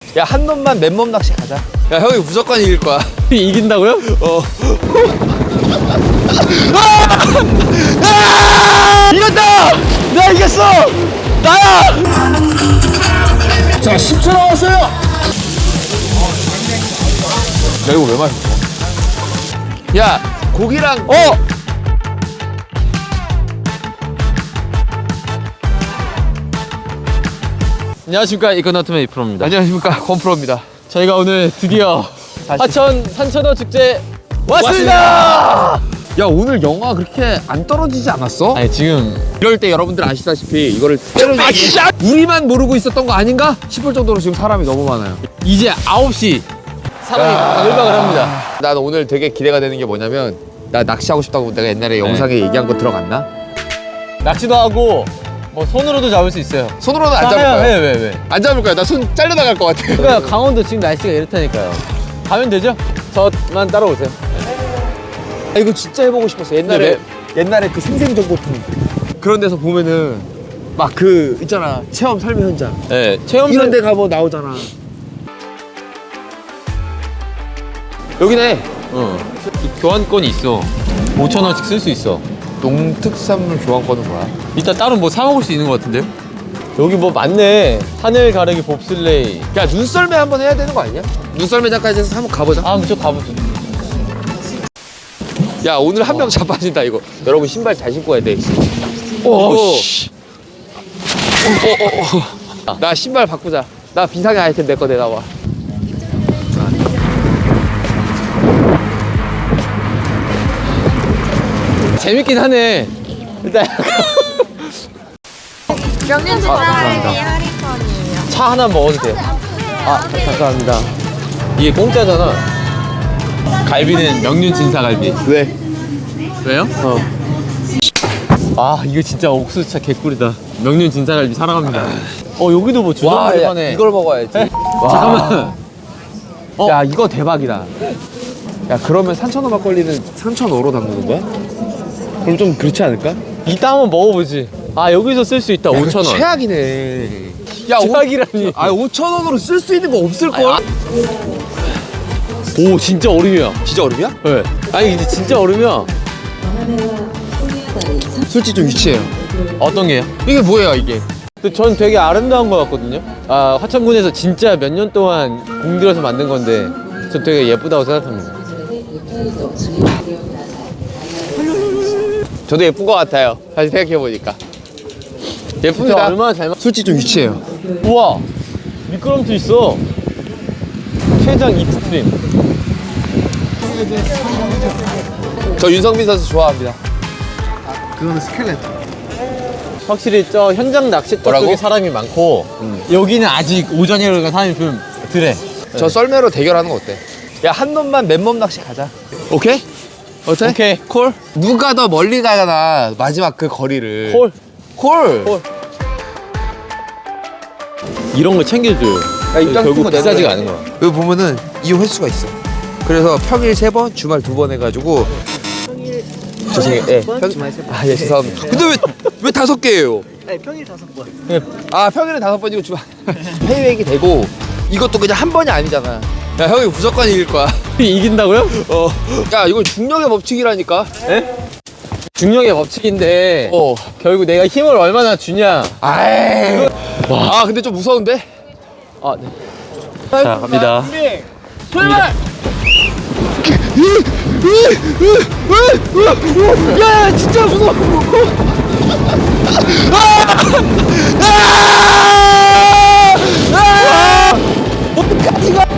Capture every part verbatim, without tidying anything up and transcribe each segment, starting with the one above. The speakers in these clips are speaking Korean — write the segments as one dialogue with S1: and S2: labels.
S1: 야, 한 놈만 맨몸 낚시 가자. 야, 형이 무조건 이길 거야.
S2: 이긴다고요?
S1: 어. 아! 아! 이겼다! 내가 이겼어! 나야!
S3: 자, 십 초 남았어요.
S1: 야, 이거 왜 마셨어? 야, 고기랑 어!
S2: 안녕하십니까, 이코노트맨 이프로입니다.
S1: 안녕하십니까, 권프로입니다.
S2: 저희가 오늘 드디어
S1: 다시.
S2: 하천 산천어 축제 왔습니다!
S1: 왔습니다! 야, 오늘 영화 그렇게 안 떨어지지 않았어?
S2: 아니 지금
S1: 이럴 때 여러분들 아시다시피 이거를 때려주기 우리만 모르고 있었던 거 아닌가 싶을 정도로 지금 사람이 너무 많아요.
S2: 이제 아홉 시 사람이 바글바글 합니다.
S1: 난 오늘 되게 기대가 되는 게 뭐냐면, 나 낚시하고 싶다고 내가 옛날에 영상에 얘기한 거 들어갔나?
S2: 낚시도 하고 뭐 손으로도 잡을 수 있어요.
S1: 손으로는 안
S2: 아,
S1: 잡을
S2: 해요,
S1: 거야.
S2: 해, 왜, 왜?
S1: 안 잡을 거야. 나 손 잘려나갈 것 같아.
S2: 그러니까 강원도 지금 날씨가 이렇다니까요. 가면 되죠? 저만 따라오세요.
S1: 아, 이거 진짜 해보고 싶었어. 옛날에 옛날에 그 생생정보통 그런 데서 보면은 막 그 있잖아, 체험 삶의 현장
S2: 네, 체험
S1: 이런 데 가면 나오잖아. 여기네.
S2: 어. 교환권이 있어. 오천 원씩 쓸 수 있어.
S1: 농특산물 교환권은 뭐야?
S2: 이따 따로 뭐 사 먹을 수 있는 것 같은데요? 여기 뭐 많네. 하늘 가르기 봅슬레이.
S1: 야, 눈썰매 한번 해야 되는 거 아니냐? 눈썰매장까지 해서 한번 가보자.
S2: 아, 저 가보죠.
S1: 야, 오늘 한 명 자빠진다 이거. 여러분 신발 잘 신고 해야 돼.
S2: 오, 씨.
S1: 어, 어, 어. 나 신발 바꾸자. 나 비상의 아이템 내 거 내놔봐.
S2: 재밌긴 하네. 일단
S4: 명륜 진사갈비 할인권이에요.
S2: 차 하나 먹어도 돼요. 아, 감사합니다. 이게 공짜잖아. 갈비는 명륜 진사갈비.
S1: 왜?
S2: 왜요? 어. 아, 이거 진짜 옥수수차 개꿀이다. 명륜 진사갈비 사랑합니다. 어, 여기도 뭐 주전자리
S1: 야,
S2: 파네.
S1: 이걸 먹어야지. 와.
S2: 잠깐만. 어?
S1: 야, 이거 대박이다. 야, 그러면 삼천원 막걸리는 삼천오로 담그는 거야? 그럼 좀 그렇지 않을까?
S2: 이따 한번 먹어보지. 아, 여기서 쓸 수 있다. 오천 원.
S1: 최악이네. 야, 오-
S2: 최악이라니.
S1: 아, 오천원으로 쓸 수 있는 거 없을걸?
S2: 아, 오, 진짜 얼음이야.
S1: 진짜 얼음이야?
S2: 네. 아니, 이제 진짜 얼음이야.
S1: 솔직히 좀 유치해요.
S2: 어떤 게요?
S1: 이게 뭐예요, 이게?
S2: 근데 전 되게 아름다운 것 같거든요. 아, 화천군에서 진짜 몇 년 동안 공들여서 만든 건데 전 되게 예쁘다고 생각합니다.
S1: 저도 예쁜 것 같아요. 다시 생각해보니까.
S2: 진짜
S1: 예쁩니다.
S2: 얼마나 잘 만...
S1: 솔직히 좀 유치해요.
S2: 우와! 미끄럼틀 있어. 최장 익스트림.
S1: 저 윤성민 선수 좋아합니다.
S3: 그거는 스켈레톤.
S2: 확실히 저 현장 낚시터
S1: 뭐라고?
S2: 쪽에 사람이 많고 여기는 아직 오전이라서 사람이 좀 덜해.
S1: 저 썰매로 대결하는 거 어때? 야, 한 놈만 맨몸 낚시 가자. 오케이? 어때?
S2: 오케이.
S1: 콜? 누가 더 멀리 가나, 마지막 그 거리를.
S2: 콜.
S1: 콜!
S2: 콜. 이런 거 챙겨줘요.
S1: 야, 입장
S2: 결국
S1: 끊고
S2: 비싸지가
S1: 내놓으래.
S2: 않은 거야.
S1: 여기 보면은 이용 횟수가 있어. 그래서 평일 세 번, 주말 두 번 해가지고. 평일 죄송해요. 예. 평...
S3: 주말 세 번.
S1: 아, 예, 죄송합니다. 근데 왜, 왜 다섯 개예요?
S3: 네, 평일 다섯 번.
S1: 아, 평일은 다섯 번이고 주말 페이백이 되고, 이것도 그냥 한 번이 아니잖아. 야, 형이 무조건 이길 거야.
S2: 이긴다고요?
S1: 어. 야, 이건 중력의 법칙이라니까.
S2: 예? 중력의 법칙인데
S1: 어.
S2: 결국 내가 힘을 얼마나 주냐.
S1: 아이. 아, 근데 좀 무서운데?
S2: 아, 네. 자, 갑니다.
S1: 출발! 야, 진짜 무서워. 어디까지 가?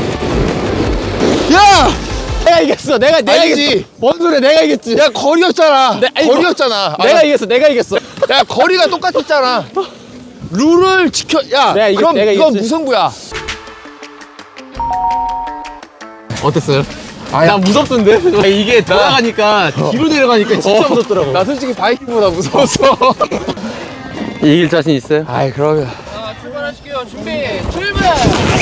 S1: 야!
S2: 내가 이겼어. 내가 내가
S1: 아니지.
S2: 이겼어. 뭔 소리야? 내가 이겼지.
S1: 야, 거리였잖아.
S2: 네, 아니,
S1: 거리였잖아.
S2: 내가
S1: 아,
S2: 이겼어. 내가 이겼어.
S1: 야, 거리가 똑같았잖아. 룰을 지켜. 야,
S2: 내가 이겼-
S1: 그럼
S2: 내가
S1: 이건
S2: 이겼지.
S1: 무승부야.
S2: 어땠어요? 나 무섭던데? 이게 돌아가니까 뒤로 내려가니까 진짜 무섭더라고.
S1: 나 솔직히 바이킹보다 무서웠어.
S2: 이길 자신 있어요?
S1: 아이, 그러면.
S2: 출발하실게요. 준비. 출발.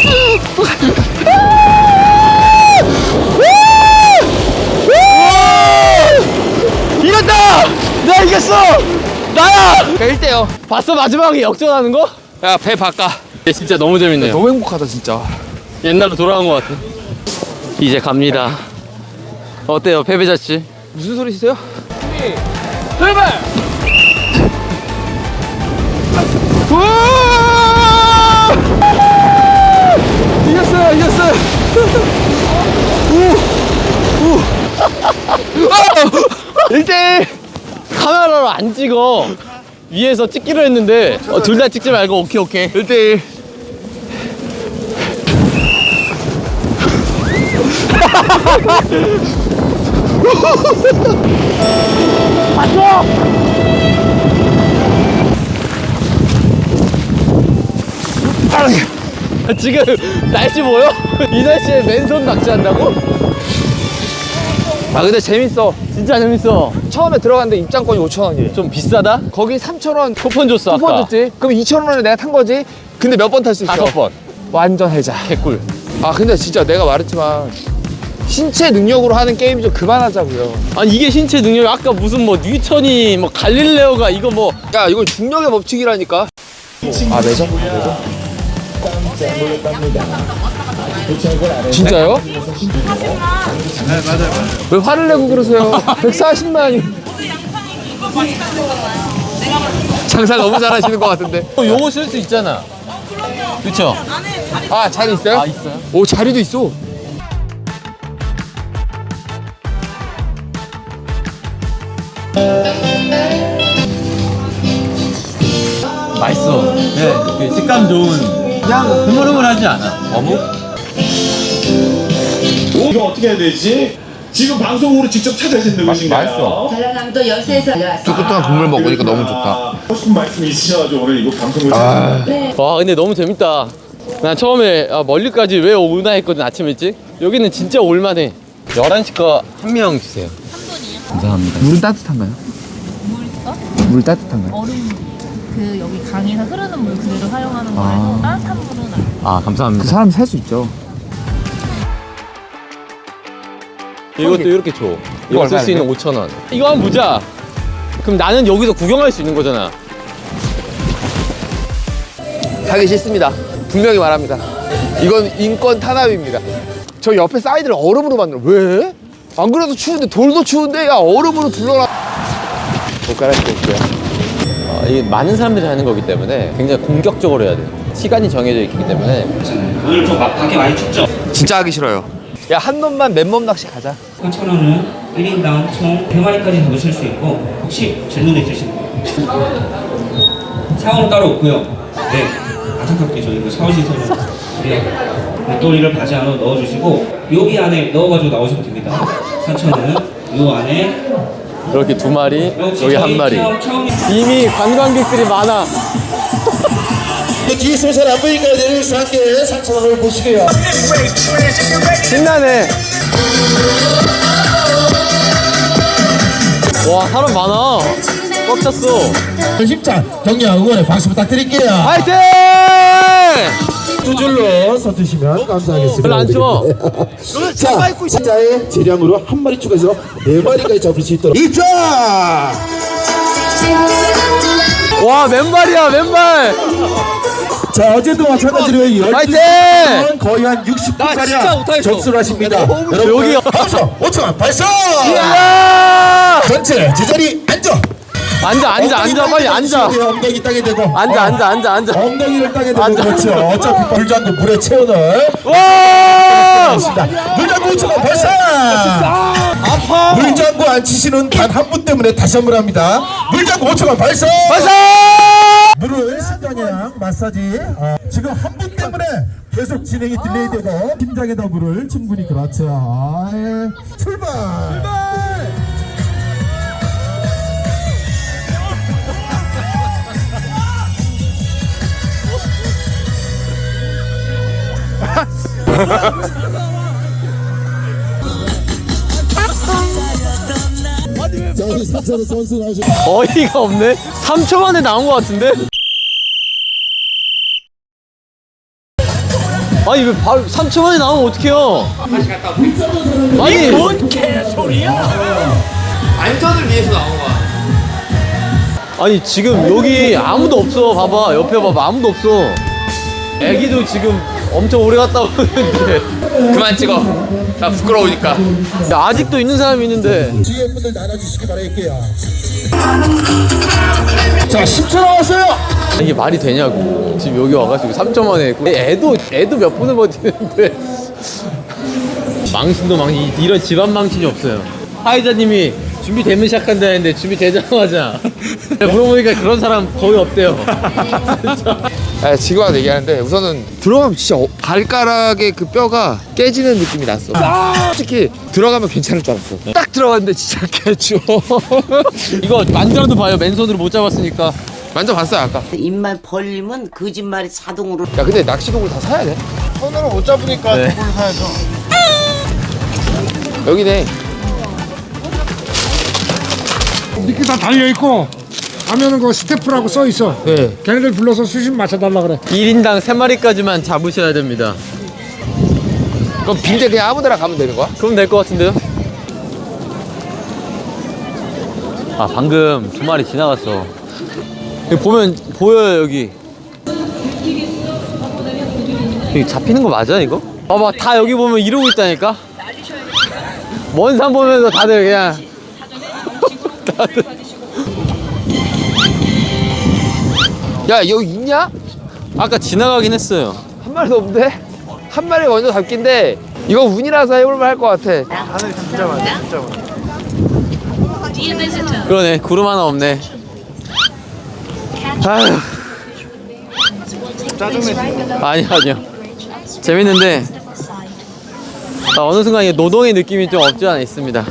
S1: 이겼다!
S2: 내가 이겼어. 나야.
S1: 일 대요.
S2: 봤어 마지막에 역전하는 거?
S1: 야, 배 바꿔.
S2: 진짜 너무 재밌네요.
S1: 너무 행복하다 진짜.
S2: 옛날로 돌아간 것 같아. 이제 갑니다. 어때요, 패배자 씨?
S1: 무슨 소리세요?
S2: 출발!
S1: 이겼어요, 이겼어요.
S2: 일 대 일! 카메라로 안 찍어. 위에서 찍기로 했는데 어, 둘 다 찍지 말고 오케이 오케이. 일 대 일. 봤어! 지금 날씨 보여? 이 날씨에 맨손 낚시한다고?
S1: 아 근데 재밌어.
S2: 진짜 재밌어.
S1: 처음에 들어갔는데 입장권이 오천 원이래.
S2: 좀 비싸다?
S1: 거기 삼천 원
S2: 쿠폰 줬어
S1: 쿠폰
S2: 아까.
S1: 줬지. 그럼 이천 원을 내가 탄 거지. 근데 몇 번 탈 수 있어?
S2: 다섯 번.
S1: 완전 해자.
S2: 개꿀.
S1: 아 근데 진짜 내가 말했지만 신체 능력으로 하는 게임 좀 그만하자고요.
S2: 아니 이게 신체 능력이 아까 무슨 뭐 뉴턴이 뭐 갈릴레오가 이거 뭐
S1: 야 이건 중력의 법칙이라니까. 아 매점? 매점? 진짜요? 왜 화를 내고 그러세요? 백사십만이. 장사 너무 잘하시는 것 같은데.
S2: 어, 요거 쓸 수 있잖아. 그쵸?
S1: 아 자리 있어요?
S2: 아 있어요?
S1: 오 자리도 있어.
S2: 맛있어. 네, 그 식감 좋은. 그냥 흐물흐물하지 않아. 어묵?
S5: 이거 어떻게 해야 되지? 지금 방송으로 직접 찾아주신 누구신가요?
S6: 전라남도 여수에서 왔습니다.
S1: 뚜껑 국물 먹으니까 너무 좋다.
S5: 하고 싶은 말씀 있으셔가지고 오늘 이거 방송을
S1: 아,
S2: 와 근데 너무 재밌다. 난 처음에 아, 멀리까지 왜 오나 했거든 아침 일찍. 여기는 진짜 올만해. 열한 시 거 한 명 주세요.
S4: 한 분이요?
S2: 감사합니다.
S1: 물은 따뜻한가요?
S4: 물요?
S1: 물 따뜻한가요?
S4: 얼음 그 여기 강에서 흐르는 물 그대로 사용하는 거라서 따뜻한 물은 안.
S2: 아 감사합니다.
S1: 사람 살 수 있죠.
S2: 이것도 이렇게 줘. 이거 쓸 수 있는 오천 원. 이거 한번 보자. 그럼 나는 여기서 구경할 수 있는 거잖아.
S1: 하기 싫습니다. 분명히 말합니다. 이건 인권 탄압입니다. 저 옆에 사이드를 얼음으로 만들어. 왜? 안 그래도 추운데 돌도 추운데 야 얼음으로 둘러라. 못 갈아입을게요.
S2: 어, 이게 많은 사람들이 하는 거기 때문에 굉장히 공격적으로 해야 돼. 시간이 정해져 있기 때문에.
S7: 오늘 좀 막하게 많이 춥죠?
S1: 진짜 하기 싫어요. 야 한 놈만 맨몸 낚시 가자.
S7: 삼천 원은 일 인당 총 세 마리까지 잡으실 수 있고 혹시 질문 있으신 분? 샤워는 따로 없고요. 네, 안타깝게 저희 그 샤워 시설은 우리가 돌리를 바지 안으로 넣어주시고 여기 안에 넣어가지고 나오시면 됩니다. 삼천 원은 요 안에
S2: 이렇게 두 마리,
S7: 혹시
S2: 여기 한
S7: 저희
S2: 마리.
S7: 체험, 처음
S2: 이미 관광객들이 많아.
S3: 뒤에 있으면 잘안 보이니까 내려서 함께 삼천 원을 보시게요.
S2: 신나네. 와 사람 많아. 꽉 찼어.
S3: 힘찬 격려 응원의 박수 부탁드릴게요.
S2: 화이팅!
S3: 두 줄로 서주시면 감사하겠습니다.
S2: 별로 안 추워.
S3: 자, 자의 재량으로 한 마리 추가해서 네 마리까지 잡을 수 있도록 입장!
S2: 와 맨발이야 맨발.
S3: 자, 어제도 마찬가지로
S2: 화이팅!
S3: 열두 분 거의 한 육십
S2: 나 진짜
S3: 분가량
S2: 못하겠어.
S3: 접수를 하십니다.
S2: 여기요.
S3: 박수! 오천 원 발사!
S2: 이야!
S3: 전체 제자리 앉아!
S2: 앉아 앉아 앉아 빨리 앉아.
S3: 엉덩이 땅에 대고
S2: 앉아
S3: 어,
S2: 앉아 앉아 앉아.
S3: 엉덩이를 땅에 대고
S2: 앉아.
S3: 그렇죠. 어차피 물장구 물에 채워넣을
S2: 와!
S3: 물장구 오천 원 발사!
S2: 아파.
S3: 물장구 안 치시는 단 한 분 때문에 다시 한 번 합니다. 물장구 오천 원 발사!
S2: 발사!
S3: 물을 신장량 마사지 어, 지금 한 분 때문에 계속 진행이 딜레이되고 심장에다 물을 충분히 그렇죠. 아이, 출발! 자, 우리 사차로 선수 나오셨
S2: 어이가 없네. 삼 초 만에 나온 것 같은데? 아니 왜 바로 삼 초 만에 나오면 어떡해요? 아니 뭔 개소리야?
S1: 안전을 위해서 나온 거야.
S2: 아니 지금 여기 아무도 없어. 봐봐 옆에 봐봐 아무도 없어. 애기도 지금 엄청 오래 갔다 오는데
S1: 그만 찍어. 나 부끄러우니까.
S2: 야, 아직도 있는 사람이 있는데.
S3: 뒤에 분들 나눠주시기 바랄게요. 자, 십 초 남았어요.
S2: 이게 말이 되냐고. 지금 여기 와가지고 삼 점 만에 했고 애도 애도 몇 분을 버티는데 망신도 망신. 이런 집안 망신이 없어요. 하이자님이 준비되면 시작한다 했는데 준비되자마자 물어보니까 그런 사람 거의 없대요.
S1: 아, 지금 와서 얘기하는데 우선은 들어가면 진짜 어, 발가락에 그 뼈가 깨지는 느낌이 났어. 솔직히 들어가면 괜찮을 줄 알았어. 딱 들어갔는데 진짜 개추워.
S2: 이거 만져도 봐요. 맨손으로 못 잡았으니까.
S1: 만져봤어요 아까.
S6: 입만 벌리면 거짓말이 자동으로.
S1: 야 근데 낚시도구를 다 사야 돼?
S8: 손으로 못 잡으니까
S2: 네.
S8: 그걸 사야죠.
S1: 여기네.
S8: 이렇게 다 달려있고 가면은 그 스태프라고 써있어.
S1: 네.
S8: 걔네들 불러서 수심 맞춰달라 그래.
S2: 일 인당 세 마리까지만 잡으셔야 됩니다.
S1: 그럼 빈대 그냥 아무데나 가면 되는 거야?
S2: 그럼 될 것 같은데요? 아 방금 두 마리 지나갔어. 여기 보면 보여요 여기. 여기 잡히는 거 맞아 이거? 봐봐 다 여기 보면 이러고 있다니까. 먼 산 보면서 다들 그냥 다들.
S1: 야 여기 있냐?
S2: 아까 지나가긴 했어요.
S1: 한 마리도 없는데? 한 마리 먼저 잡긴데 이거 운이라서 해볼만 할 것 같아.
S8: 하늘 진짜 많아, 진짜 많아.
S2: 그러네 구름 하나 없네. 아휴.
S8: 짜증내.
S2: 아니 아니요 재밌는데 아, 어느 순간 이 노동의 느낌이 좀 없지 않아 있습니다.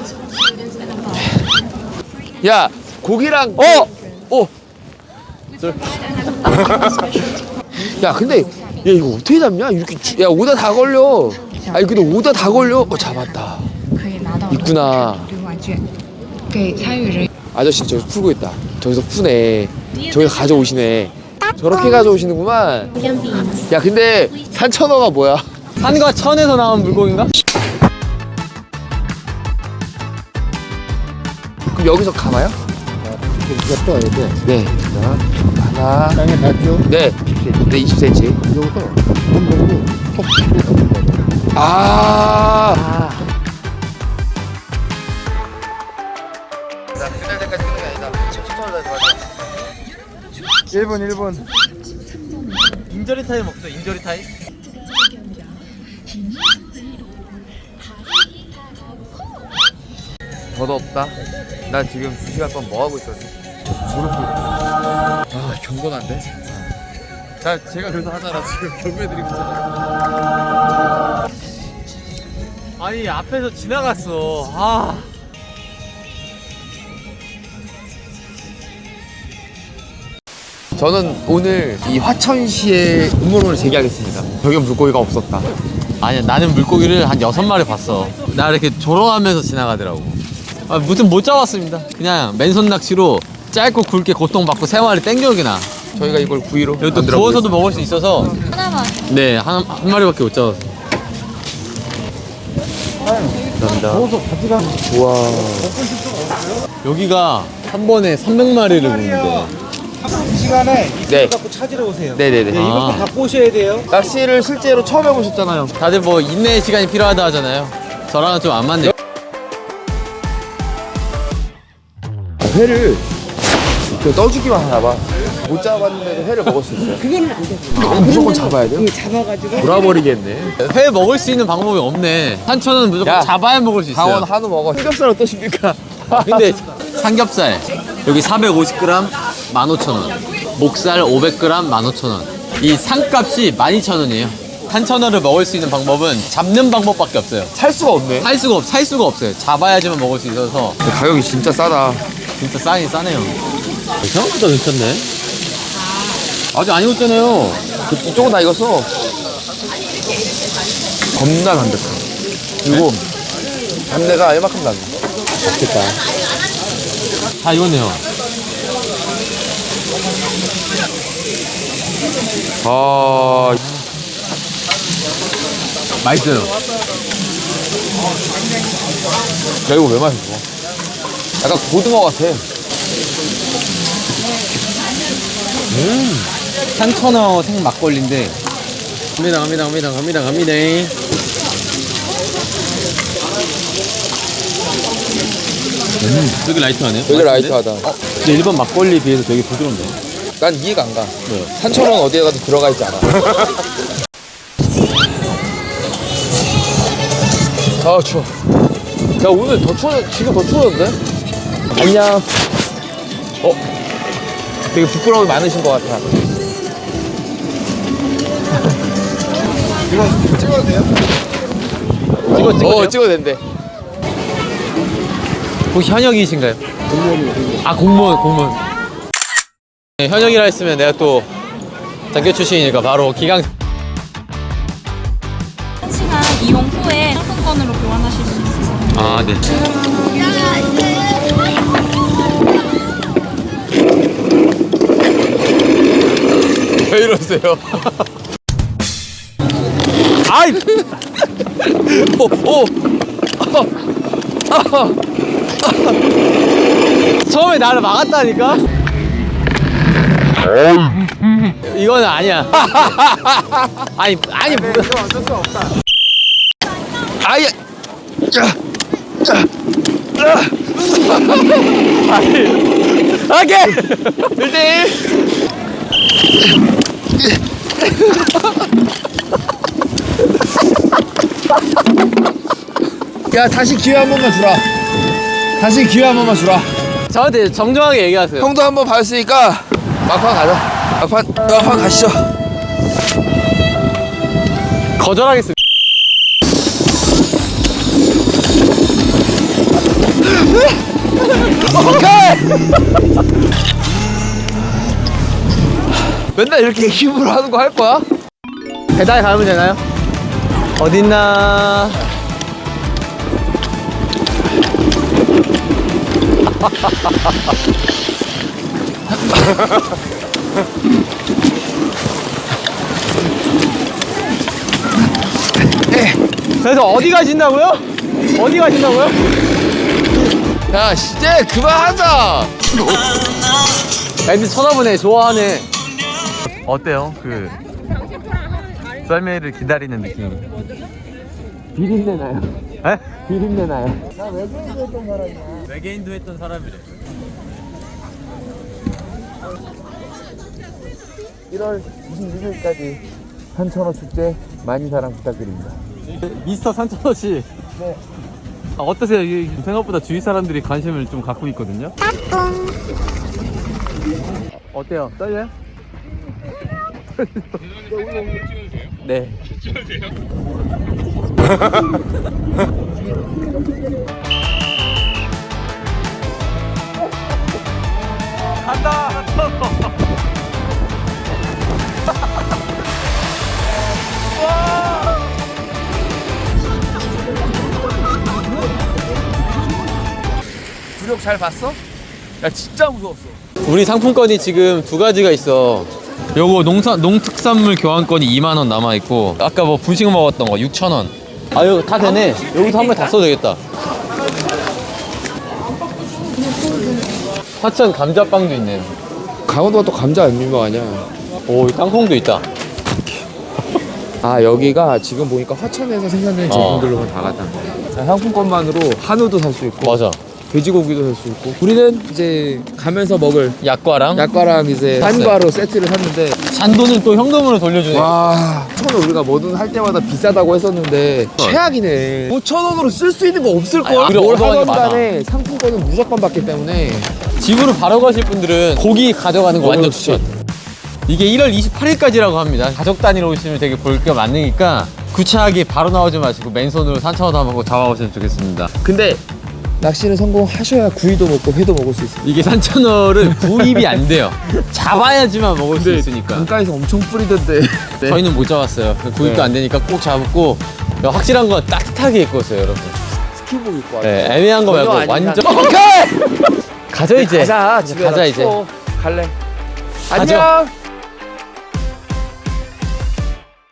S1: 야 고기랑
S2: 어!
S1: 어! 야 근데 야 이거 어떻게 잡냐? 이렇게 주- 야 오다 다 걸려. 아니 근데 오다 다 걸려. 어 잡았다. 있구나. 아저씨 저기 풀고 있다. 저기서 푸네. 저기서 가져오시네. 저렇게 가져오시는구만. 야 근데 산천어가 뭐야?
S2: 산과 천에서 나온 물고기인가?
S1: 그럼 여기서 감아요?
S8: 이거 떠야 돼.
S1: 네. 자, 하나.
S8: 땅에 닿죠?
S1: 네. 네, 이십 센티미터.
S8: 여기서 한 번으로 톡 치고 잡는 거야.
S1: 아. 자, 끝날 때까지 끝난 게 아니다. 천천히 다시 맞아.
S8: 일 분, 일 분.
S2: 인저리 타임 없어 인저리 타임?
S1: 더도 없다. 난 지금 두 시간 동안 뭐 하고 있었지? 무릎 꿇고. 아, 경건한데? 자, 제가 그래서 하잖아. 지금 경매드리고 있잖아.
S2: 아니 앞에서 지나갔어. 아.
S1: 저는 오늘 이 화천시에 음모론을 제기하겠습니다. 저기 물고기가 없었다.
S2: 아니야 나는 물고기를 한 여섯 마리 봤어. 나 이렇게 조롱하면서 지나가더라고. 아, 무튼 못 잡았습니다. 그냥 맨손 낚시로 짧고 굵게 고통받고 세 마리 땡겨오기나.
S1: 저희가 이걸 구이로
S2: 이것도
S1: 만들어
S2: 구워서도 먹을 수 있어서
S4: 하나만.
S2: 네, 한, 한 마리밖에 못 잡았어. 감사합니다.
S1: 보겠습니다. 우와.
S2: 여기가 한 번에 삼백 마리를 구는데.
S8: 이 시간에
S1: 네.
S8: 갖고 찾으러 오세요.
S1: 네네네.
S2: 아,
S8: 갖고 오셔야 돼요.
S1: 낚시를 실제로 처음 해보셨잖아요.
S2: 다들 뭐 인내의 시간이 필요하다 하잖아요. 저랑은 좀 안 맞네.
S1: 회를 이렇게 떠주기만 하나 봐. 못 잡았는데도 회를 먹을 수 있어요.
S6: 그거는 안 돼.
S1: 그럼 무조건 잡아야 돼요?
S6: 잡아가지고.
S1: 돌아버리겠네.
S2: 회 먹을 수 있는 방법이 없네. 산천은 무조건
S1: 야,
S2: 잡아야 먹을 수 있어요.
S1: 강원 한우 먹어. 삼겹살 어떠십니까?
S2: 근데 삼겹살 여기 사백오십 그램 만 오천 원, 목살 오백 그램 만 오천 원. 이 상값이 만 이천 원이에요. 산천어를 먹을 수 있는 방법은 잡는 방법밖에 없어요.
S1: 살 수가 없네.
S2: 살 수가 없, 살 수가 없어요. 잡아야지만 먹을 수 있어서
S1: 근데 가격이 진짜 싸다.
S2: 진짜 싸긴 싸네요. 생각보다 괜찮네. 아직 안 익었잖아요.
S1: 이쪽은 다 익었어. 겁나 담백해. 그리고 담내가 이만큼 나네. 맛있겠다.
S2: 다 익었네요.
S1: 아,
S2: 맛있어요.
S1: 야 이거 왜 맛있어? 약간 고등어 같아.
S2: 산천어 생 막걸리인데 갑니다 갑니다 갑니다 갑니다 갑니다. 음, 되게 라이트하네요.
S1: 되게 라이트하다.
S2: 어, 근데 일반 막걸리에 비해서 되게 부드럽네요.
S1: 난 이해가 안 가.
S2: 왜요?
S1: 산천어는 어디에 가도 들어가 있지 않아. 아 추워. 야 오늘 더 추워. 지금 더 추웠는데? 안녕. 어? 되게 부끄러움이 많으신 것 같아.
S2: 찍어 찍어도
S1: 어
S2: 돼요?
S1: 찍어도 된대.
S2: 혹시 현역이신가요? 공무원이요. 아 공무원 공무원. 네, 현역이라 했으면 내가 또 장교 출신이니까 바로 기강.
S4: 한 시간 이용 후에 상품권으로 교환하실 수 있으세요.
S2: 아 네.
S1: 왜 이러세요?
S2: 아이.
S1: 오 오.
S2: 처음에 나를 막았다니까? 이거는 아니야. 아니 아니 뭐.
S1: 아예.
S2: 오케이.
S1: 일 대 일. 야 다시 기회 한 번만 주라. 다시 기회 한 번만 주라.
S2: 저한테 정정하게 얘기하세요.
S1: 형도 한 번 봤으니까 막판 가자. 막판 막판 가시죠.
S2: 거절하겠습니다.
S1: 오케이. 맨날 이렇게 힘으로 하는 거 할 거야?
S2: 배달 가면 되나요? 어딨나? 그래서 어디 가신다고요? 어디 가신다고요?
S1: 야 이제 그만하자.
S2: 애들 쳐다보네. 좋아하네. 어때요? 그 썰매를 기다리는 느낌.
S1: 비린내 나요.
S2: 에?
S1: 비린내 나요.
S2: 외계인도 했던 사람이래.
S1: 일월 이십육 일까지 산천어 축제 많이 사랑 부탁드립니다.
S2: 미스터 산천어 씨. 네. 아, 어떠세요? 이게 생각보다 주위 사람들이 관심을 좀 갖고 있거든요. 어때요? 떨려요? 네. 간다.
S1: 구력 잘 봤어? 야 진짜 무서웠어.
S2: 우리 상품권이 지금 두 가지가 있어. 요거 농산 농특산물 교환권이 이만 원 남아 있고, 아까 뭐 분식 먹었던 거 육천 원. 아 이거 다 되네. 여기서 한 번 다 써도 되겠다. 화천 감자빵도 있네.
S1: 강원도가 또 감자 안 유명하냐?
S2: 오, 이 땅콩도 있다.
S1: 아 여기가 지금 보니까 화천에서 생산되는 제품들로만 다 갖다 놔. 상품권만으로 한우도 살 수 있고,
S2: 맞아.
S1: 돼지고기도 살 수 있고. 우리는 이제 가면서 먹을
S2: 약과랑
S1: 약과랑 이제 한과로 세트를 샀는데,
S2: 잔돈을 또 현금으로 돌려주네.
S1: 와 처음에 우리가 뭐든 할 때마다 비싸다고 했었는데 최악이네. 오천 원으로 쓸 수 있는 거 없을걸?
S2: 아니,
S1: 뭘
S2: 얻어가는
S1: 하던
S2: 게 많아.
S1: 간에 상품권은 무조건 받기 때문에.
S2: 집으로 바로 가실 분들은 고기 가져가는 거 완전
S1: 그렇지.
S2: 추천. 이게 일월 이십팔일까지라고 합니다. 가족 단위로 오시면 되게 볼 게 많으니까 구차하게 바로 나오지 마시고 맨손으로 산천어도 한번 잡아보시면 좋겠습니다.
S1: 근데 낚시는 성공하셔야 구이도 먹고 회도 먹을 수 있어요.
S2: 이게 산천어를 구입이 안 돼요. 잡아야지만 먹을 수 있으니까.
S1: 강가에서 엄청 뿌리던데. 네.
S2: 저희는 못 잡았어요. 구입도
S1: 네.
S2: 안 되니까 꼭 잡고, 확실한 건 따뜻하게 입고 오세요, 여러분.
S1: 스키복 입고 왔어.
S2: 네, 애매한 거 말고
S1: 전혀 아닌
S2: 완전.
S1: 산- 오케이!
S2: 가자 이제.
S1: 가자 집에
S2: 가자 이제.
S1: 갈래.
S2: 가죠.
S1: 안녕.